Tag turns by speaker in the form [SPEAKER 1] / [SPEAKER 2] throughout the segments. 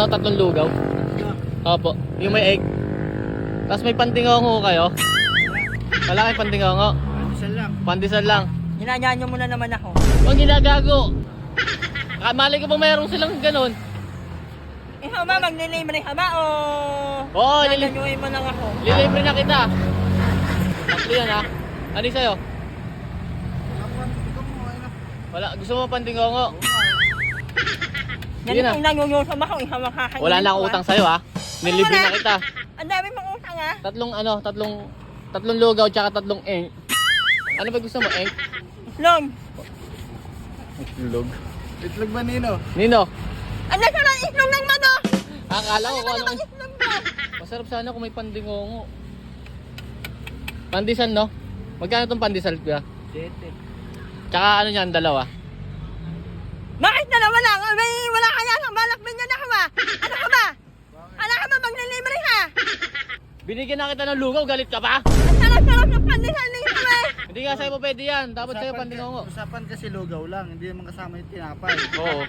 [SPEAKER 1] tatlong lugaw. Opo, yung may egg. Tapos may pandingongo kayo. Wala kayong pandingongo.
[SPEAKER 2] Pandesal lang.
[SPEAKER 1] Pandesal lang.
[SPEAKER 3] Ginanyaan nyo muna naman ako.
[SPEAKER 1] Huwag ginagago. Malay ko ba mayroong silang ganun?
[SPEAKER 3] Ikaw ba, maglilibre ka ba o...
[SPEAKER 1] Oo,
[SPEAKER 3] Naganyuhin mo lang ako.
[SPEAKER 1] lilibre na kita. Tatlo yan ha. Ano yung sa'yo? Wala, gusto mo pandingongo? Sige na.
[SPEAKER 3] Ganito nangungusap ako, ikaw makakainin.
[SPEAKER 1] Wala na akong utang sa'yo ha. Nilibre na kita.
[SPEAKER 3] Ang dami mong utang ha.
[SPEAKER 1] Tatlong lugaw tsaka tatlong eng. Ano ba gusto mo, eng?
[SPEAKER 3] Long,
[SPEAKER 1] Itlog.
[SPEAKER 2] Itlog ba Nino?
[SPEAKER 1] Nino,
[SPEAKER 3] ang nasa lang itlog ng mano.
[SPEAKER 1] akala ko kung
[SPEAKER 3] Ano
[SPEAKER 1] ano.
[SPEAKER 3] bang itlog mo?
[SPEAKER 1] Masarap sana kung may pandingongo. Pandesal no? Magkano tong pandesal kuya?
[SPEAKER 2] 7.
[SPEAKER 1] Tsaka ano yan, dalawa?
[SPEAKER 3] Bakit dalawa lang? May wala kaya sa balak binyan ako ha. Ano ka ba? Ano ka ba maglilibre ha?
[SPEAKER 1] Binigyan na kita ng lugaw, galit ka pa?
[SPEAKER 3] Ang sarap-sarap ng pandesal nito eh.
[SPEAKER 1] Hindi nga sa'yo po pwede yan, dapat sa'yo pandingongo.
[SPEAKER 2] Usapan kasi lugaw lang, hindi naman kasama yung tinapay.
[SPEAKER 1] Oo.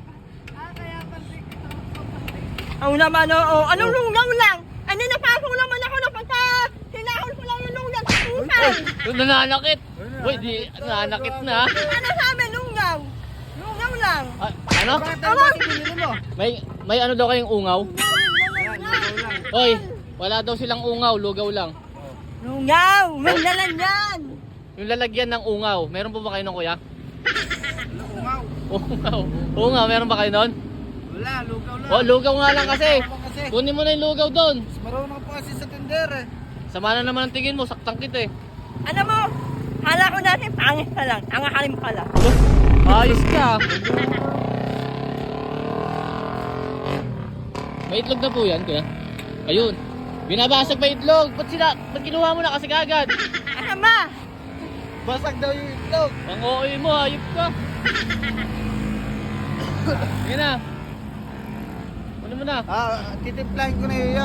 [SPEAKER 3] Ang naman oo. Anong lugaw lang? Ano napasok naman ako na pagka sinahol ko lang yung lugaw sa utang.
[SPEAKER 1] Yung nananakit. Uy, di, nananakit na.
[SPEAKER 3] Ano sabi lugaw? Lugaw lang.
[SPEAKER 1] Ah, ano?
[SPEAKER 2] Bakit ano ba binili mo?
[SPEAKER 1] May ano daw kayong ungaw?
[SPEAKER 2] Ayan, lugaw lang.
[SPEAKER 1] Hoy, wala daw silang ungaw, lugaw lang.
[SPEAKER 3] Lugaw! May dalan yan!
[SPEAKER 1] Yung lalagyan ng ungaw, meron po ba kayo nun kuya?
[SPEAKER 2] Ungaw.
[SPEAKER 1] Ungaw. Ungaw, meron ba kayo nun?
[SPEAKER 2] Wala, lugaw lang.
[SPEAKER 1] Oh, lugaw nga lang kasi.
[SPEAKER 2] Kasi,
[SPEAKER 1] Kunin mo na yung lugaw doon.
[SPEAKER 2] marunong pa kasi sa tender eh.
[SPEAKER 1] Sama na naman ang tingin mo, saktang kita eh.
[SPEAKER 3] Ano mo? Hala ko dati pangit ka lang. Ang akalim pala.
[SPEAKER 1] Ayos ka. May itlog na po yan, kuya. Ayun. Binabasag pa itlog. Ba't kinuha mo na kasi kagad?
[SPEAKER 3] Ano ba?
[SPEAKER 2] Basag daw yung itlog.
[SPEAKER 1] Ang OA mo, ayop ka. Sige na. Ano mo na?
[SPEAKER 2] Titimplahin ko na iya.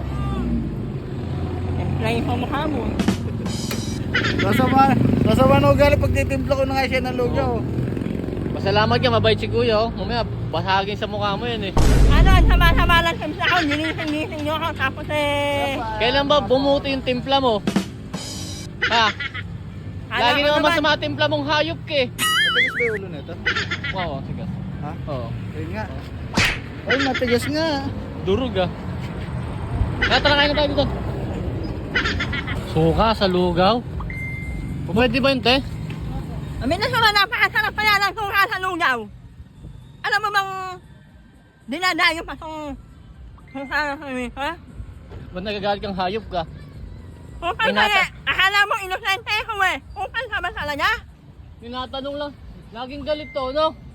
[SPEAKER 3] Templayin pa mukha mo.
[SPEAKER 2] Masama na ugali pag titimpla ko na nga siya ng lugaw.
[SPEAKER 1] Pasalamat ka, mabait si kuya. Oh. Mamaya, basagin sa mukha mo yan eh.
[SPEAKER 3] Ano? Sama-sama lang sa ako. Nilising-lising nyo ako. Tapos eh...
[SPEAKER 1] Kailan ba bumuti yung timpla mo? Ha? Lagi
[SPEAKER 3] ko
[SPEAKER 1] naman masama timpla mong hayop ka eh.
[SPEAKER 2] Matigas ba yung ulo nito?
[SPEAKER 1] Wow, sige.
[SPEAKER 2] Ha?
[SPEAKER 1] Oo.
[SPEAKER 2] Ayun nga. Ay, matigas nga.
[SPEAKER 1] Durog ah. Tara, kain na tayo dito. Suka sa lugaw? Pwede ba yun, te?
[SPEAKER 3] Amin na sila napakasarap kaya ng suka sa lugaw. Alam mo bang... Dinadayo pa itong... Suka sa lugaw, ha?
[SPEAKER 1] Ba't nagagalit kang hayop ka?
[SPEAKER 3] Upal ka eh. Akala mo inosente ko eh. Upal ka ba talaga?
[SPEAKER 1] Tinatanong lang. Laging galit to, no?